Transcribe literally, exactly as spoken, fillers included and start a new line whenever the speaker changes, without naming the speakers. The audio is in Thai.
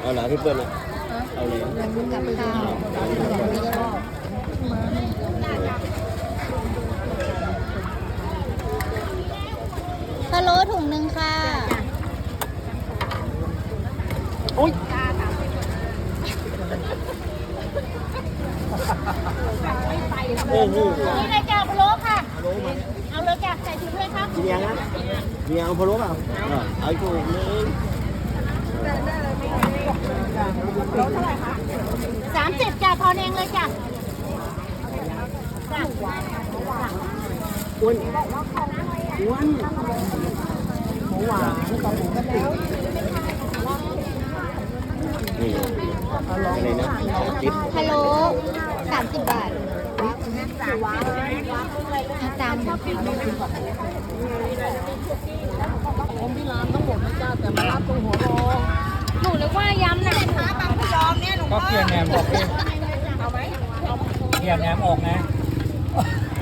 เอาเหรอพี่เปิ้ลอะเอาเลย
กับข้าวพะโล้ถุงหนึ่งค่ะ
อุ้ยโอ้โห
นี่เลยจ้าพะโล้ค่ะ
พะโล้มา
เอาเลยจ้าใส่ถุงเลยครับ
กินยังนะมีเอาพะโล้เปล่าเออเอาถูกเลย
สามสิบจ้าทอนเองเลยจ้า
อ้วนอ้วนหมูหวานกับหมูกะปินี่อะไรนะจิ๊บ
พะโล้สามสิบบาทเอาตาม
ผมที่ร้านทั้งหมดนะจ้าแต่มารับตรงหัวรอ
หนูนึกว่ายำน่ะ
ก็เปลี่ยนแหนมออกดิเปลี่ยนแหนมออกนะ